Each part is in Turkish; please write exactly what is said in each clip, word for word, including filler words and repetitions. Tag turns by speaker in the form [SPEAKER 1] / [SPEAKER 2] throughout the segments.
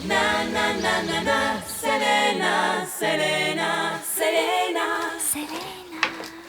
[SPEAKER 1] Na na na na na, Selena, Selena, Selena, Selena.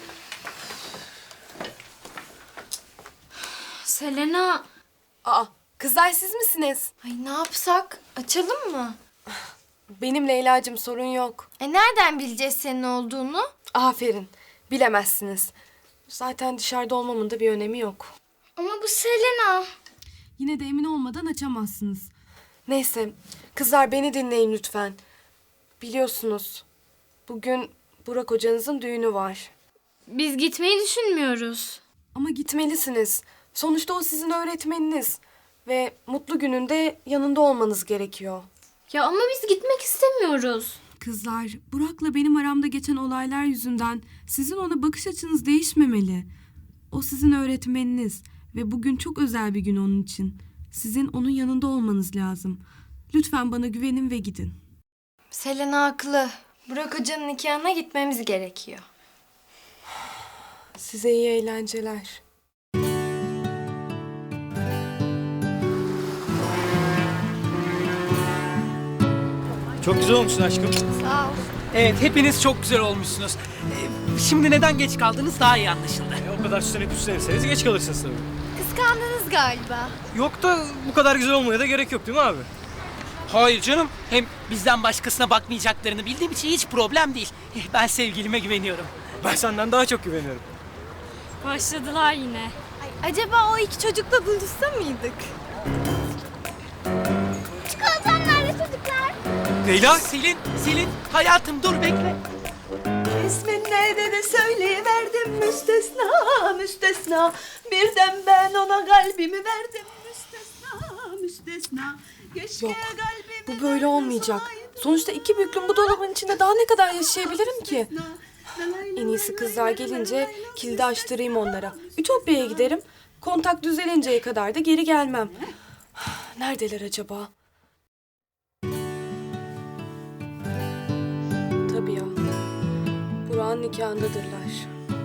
[SPEAKER 2] Selena.
[SPEAKER 3] Aa, kızlar siz misiniz?
[SPEAKER 2] Ay ne yapsak? Açalım mı?
[SPEAKER 3] Benim Leyla'cığım, sorun yok.
[SPEAKER 2] E nereden bileceğiz senin olduğunu?
[SPEAKER 3] Aferin, bilemezsiniz. Zaten dışarıda olmamın da bir önemi yok.
[SPEAKER 2] Ama bu Selena.
[SPEAKER 3] Yine de emin olmadan açamazsınız. Neyse, kızlar beni dinleyin lütfen. Biliyorsunuz, bugün Burak hocanızın düğünü var.
[SPEAKER 2] Biz gitmeyi düşünmüyoruz.
[SPEAKER 3] Ama gitmelisiniz. Sonuçta o sizin öğretmeniniz. Ve mutlu gününde yanında olmanız gerekiyor.
[SPEAKER 2] Ya ama biz gitmek istemiyoruz.
[SPEAKER 4] Kızlar, Burak'la benim aramda geçen olaylar yüzünden sizin ona bakış açınız değişmemeli. O sizin öğretmeniniz ve bugün çok özel bir gün onun için. Sizin onun yanında olmanız lazım. Lütfen bana güvenin ve gidin.
[SPEAKER 2] Selena haklı. Burak Hoca'nın nikahına gitmemiz gerekiyor.
[SPEAKER 3] Size iyi eğlenceler.
[SPEAKER 5] Çok güzel olmuşsun aşkım.
[SPEAKER 2] Sağ ol.
[SPEAKER 6] Evet, hepiniz çok güzel olmuşsunuz. Ee, Şimdi neden geç kaldınız daha iyi anlaşıldı.
[SPEAKER 5] E, o kadar süslenip süslenirseniz geç kalırsınız tabii.
[SPEAKER 2] Kıskandınız galiba.
[SPEAKER 5] Yok da bu kadar güzel olmaya da gerek yok değil mi abi?
[SPEAKER 6] Hayır canım. Hem bizden başkasına bakmayacaklarını bildiğim için hiç problem değil. Ben sevgilime güveniyorum.
[SPEAKER 5] Ben senden daha çok güveniyorum.
[SPEAKER 2] Başladılar yine. Ay, acaba o iki çocukla buluşsa mıydık? Çikolatam nerede çocuklar?
[SPEAKER 5] Leyla!
[SPEAKER 6] Selin, Selin, hayatım dur bekle.
[SPEAKER 1] İsmin neydi de söyleyiverdim müstesna, müstesna. Birden ben ona kalbimi verdim müstesna, müstesna. Keşke
[SPEAKER 3] Yok,
[SPEAKER 1] kalbimi
[SPEAKER 3] bu böyle olmayacak. Sonuçta iki büklüm bu dolabın içinde daha ne kadar yaşayabilirim ki? En iyisi kızlar gelince kilidi açtırayım onlara. Ütopya'ya giderim. Kontak düzelinceye kadar da geri gelmem. Neredeler acaba? Tabii ya. Burak'ın nikahındadırlar.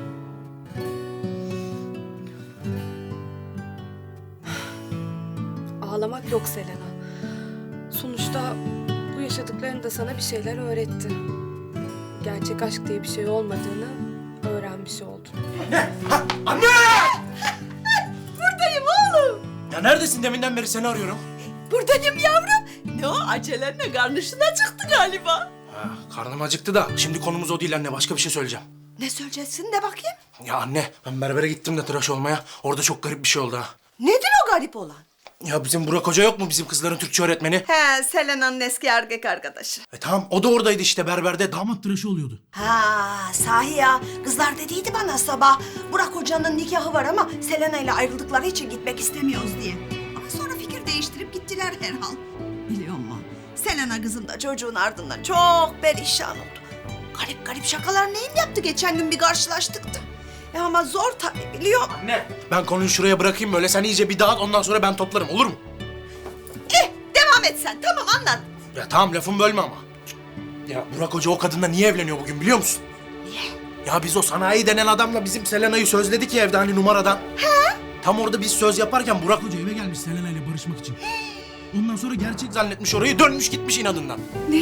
[SPEAKER 3] Ağlamak yok Selena. Sonuçta bu yaşadıkların da sana bir şeyler öğretti. Gerçek aşk diye bir şey olmadığını öğrenmiş oldun.
[SPEAKER 7] Anne!
[SPEAKER 1] Buradayım oğlum.
[SPEAKER 7] Ya neredesin? Deminden beri seni arıyorum.
[SPEAKER 1] Buradayım yavrum. Ne o acelenle karnışın acıktı galiba.
[SPEAKER 7] Ha, karnım acıktı da şimdi konumuz o değil anne. Başka bir şey söyleyeceğim.
[SPEAKER 1] Ne söyleyeceksin de bakayım.
[SPEAKER 7] Ya anne, ben berbere gittim de tıraş olmaya. Orada çok garip bir şey oldu ha.
[SPEAKER 1] Nedir o garip olan?
[SPEAKER 7] Ya bizim Burak Hoca yok mu, bizim kızların Türkçe öğretmeni?
[SPEAKER 1] He, Selena'nın eski erkek arkadaşı.
[SPEAKER 7] E tamam, o da oradaydı işte berberde. Damat tıraşı oluyordu.
[SPEAKER 1] Ha, sahi ya. Kızlar dediydi bana sabah. Burak Hoca'nın nikahı var ama Selena ile ayrıldıkları için gitmek istemiyoruz diye. Ama sonra fikir değiştirip gittiler herhal. Biliyor musun? Selena kızım da çocuğun ardından çok perişan oldu. Garip garip şakalar neyim yaptı geçen gün bir karşılaştık da. E ama zor tabii biliyor musun?
[SPEAKER 7] Anne, ben konuyu şuraya bırakayım böyle. Sen iyice bir dağıt, ondan sonra ben toplarım, olur mu?
[SPEAKER 1] Eh, devam et sen. Tamam anlat.
[SPEAKER 7] Ya tamam, lafımı bölme ama. Ya Burak Hoca o kadınla niye evleniyor bugün biliyor musun?
[SPEAKER 1] Niye?
[SPEAKER 7] Ya biz o sanayi denen adamla bizim Selena'yı sözledik ya evde hani numaradan. He? Tam orada biz söz yaparken Burak Hoca eve gelmiş Selena ile barışmak için. Ondan sonra gerçek zannetmiş orayı, dönmüş gitmiş inadından.
[SPEAKER 3] Ne?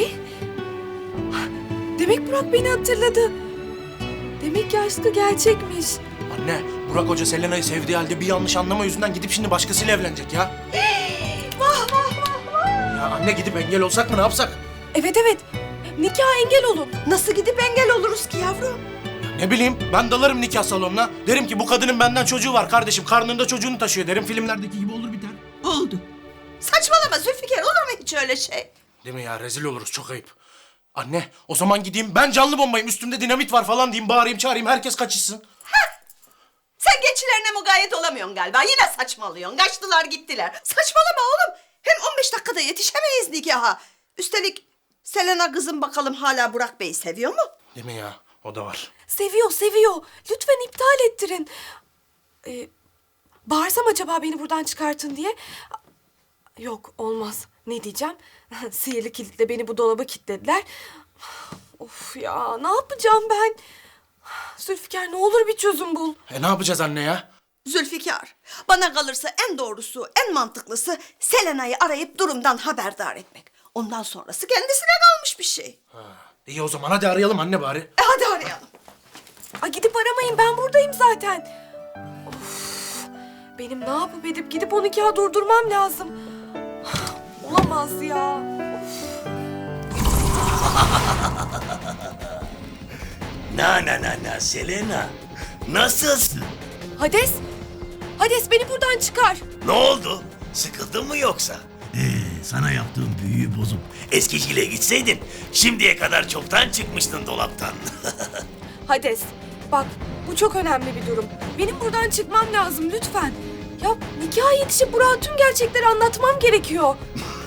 [SPEAKER 3] Demek Burak beni hatırladı. Demek ki aşkı gerçekmiş.
[SPEAKER 7] Anne, Burak Hoca Selena'yı sevdiği halde bir yanlış anlama yüzünden gidip şimdi başkasıyla evlenecek ya.
[SPEAKER 1] Vah vah vah vah.
[SPEAKER 7] Ya anne, gidip engel olsak mı, ne yapsak?
[SPEAKER 3] Evet evet. Nikah engel olun.
[SPEAKER 1] Nasıl gidip engel oluruz ki yavrum?
[SPEAKER 7] Ne bileyim, ben dalarım nikah salonuna. Derim ki bu kadının benden çocuğu var kardeşim, karnında çocuğunu taşıyor derim. Filmlerdeki gibi olur biter.
[SPEAKER 1] Oldu. Saçmalama Zülfikar, olur mu hiç öyle şey?
[SPEAKER 7] Değil mi ya, rezil oluruz, çok ayıp. Anne, o zaman gideyim ben canlı bombayım, üstümde dinamit var falan diyeyim, bağırayım çağırayım, herkes kaçışsın.
[SPEAKER 1] Sen geçilerine mukayyet olamıyorsun galiba. Yine saçmalıyorsun. Kaçtılar gittiler. Saçmalama oğlum. Hem on beş dakikada yetişemeyiz nikaha. Üstelik Selena kızım bakalım hala Burak Bey'i seviyor mu?
[SPEAKER 7] Değil mi ya, o da var.
[SPEAKER 3] Seviyor seviyor. Lütfen iptal ettirin. Ee, bağırsam acaba beni buradan çıkartın diye. Yok olmaz. Ne diyeceğim? Sihirli kilitle beni bu dolaba kilitlediler. Of ya, ne yapacağım ben? Zülfikar, ne olur bir çözüm bul.
[SPEAKER 7] E ne yapacağız anne ya?
[SPEAKER 1] Zülfikar, bana kalırsa en doğrusu, en mantıklısı Selena'yı arayıp durumdan haberdar etmek. Ondan sonrası kendisine kalmış bir şey.
[SPEAKER 7] İyi o zaman hadi arayalım anne bari.
[SPEAKER 1] E hadi arayalım.
[SPEAKER 3] Ay gidip aramayın, ben buradayım zaten. Of, benim ne yapıp edip gidip o nikahı durdurmam lazım. Olamaz ya.
[SPEAKER 8] Na na na na Selena. Nasılsın?
[SPEAKER 3] Hades, Hades beni buradan çıkar.
[SPEAKER 8] Ne oldu? Sıkıldın mı yoksa? Ee, sana yaptığım büyüyü bozup eskiciyle gitseydin şimdiye kadar çoktan çıkmıştın dolaptan.
[SPEAKER 3] Hades, bak bu çok önemli bir durum. Benim buradan çıkmam lazım lütfen. Ya nikaha yetişip Burak'a tüm gerçekleri anlatmam gerekiyor.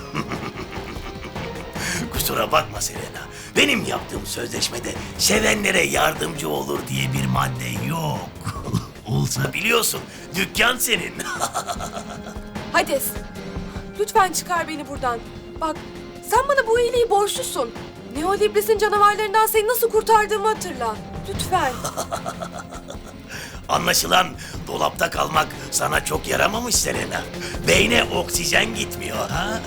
[SPEAKER 8] Kusura bakma Selena. Benim yaptığım sözleşmede sevenlere yardımcı olur diye bir madde yok. Olsa biliyorsun dükkan senin.
[SPEAKER 3] Hades, lütfen çıkar beni buradan. Bak, sen bana bu iyiliği borçlusun. Neolibris'in canavarlarından seni nasıl kurtardığımı hatırla. Lütfen.
[SPEAKER 8] Anlaşılan dolapta kalmak sana çok yaramamış Selena. Beyne oksijen gitmiyor ha?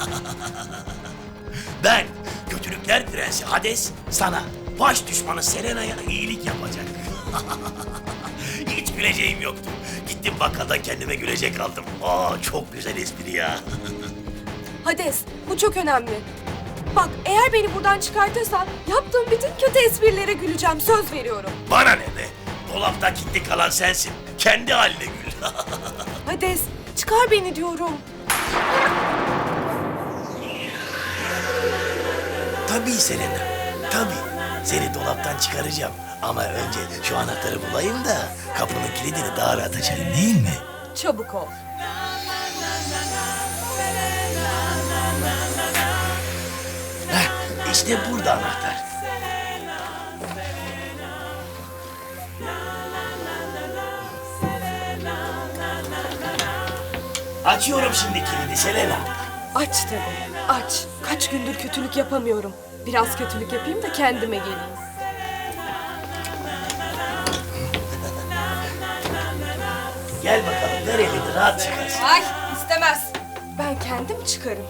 [SPEAKER 8] Ben kötülükler prensi Hades sana baş düşmanı Selena'ya iyilik yapacak. Hiç güleceğim yoktu. Gittim bakkaldan kendime gülecek aldım. Aa çok güzel espri ya.
[SPEAKER 3] Hades, bu çok önemli. Bak, eğer beni buradan çıkartırsan yaptığım bütün kötü esprilere güleceğim, söz veriyorum.
[SPEAKER 8] Bana ne be? Dolapta kilitli kalan sensin. Kendi haline gül.
[SPEAKER 3] Hades, çıkar beni diyorum.
[SPEAKER 8] Tabii Selena, tabii. Seni dolaptan çıkaracağım. Ama önce şu anahtarı bulayım da kapının kilidini daha rahat açayım değil mi?
[SPEAKER 3] Çabuk ol.
[SPEAKER 8] Heh, işte burada anahtar. Açıyorum şimdi kilidi Selena.
[SPEAKER 3] Aç tabii, aç. Kaç gündür kötülük yapamıyorum. Biraz kötülük yapayım da kendime geleyim.
[SPEAKER 8] Gel bakalım ver elini rahat çıkarsın.
[SPEAKER 3] Ay, istemez. Ben kendim çıkarım.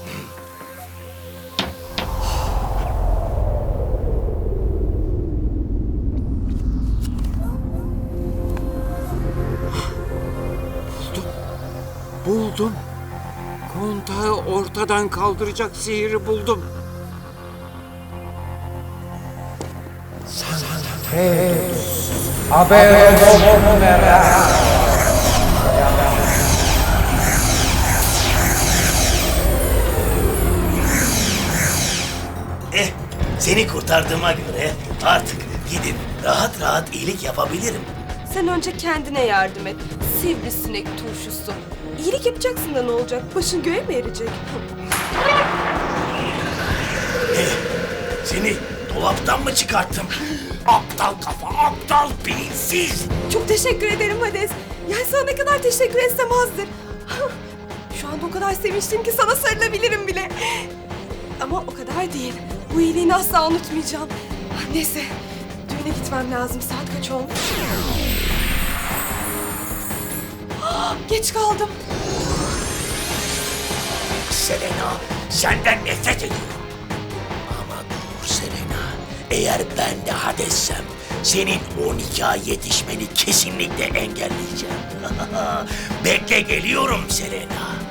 [SPEAKER 9] Buldum. Kontağı ortadan kaldıracak sihiri buldum.
[SPEAKER 8] Eh, seni kurtardığıma göre artık gidip rahat rahat iyilik yapabilirim.
[SPEAKER 3] Sen önce kendine yardım et. Sivrisinek turşusu. İyilik yapacaksın da ne olacak? Başın göğe mi erecek?
[SPEAKER 8] Eh, seni dolaptan mı çıkarttım? Aptal kafa, aptal beyinsiz.
[SPEAKER 3] Çok teşekkür ederim Hades. Yani sana ne kadar teşekkür etsem azdır. Şu anda o kadar sevinçliyim ki sana sarılabilirim bile. Ama o kadar değil. Bu iyiliğini asla unutmayacağım. Neyse, düğüne gitmem lazım. Saat kaç olmuş? Geç kaldım.
[SPEAKER 8] Selena, senden nefret ediyorum. Ama dur Selena, eğer ben de Hades'sem senin o nikaha yetişmeni kesinlikle engelleyeceğim. Bekle geliyorum Selena.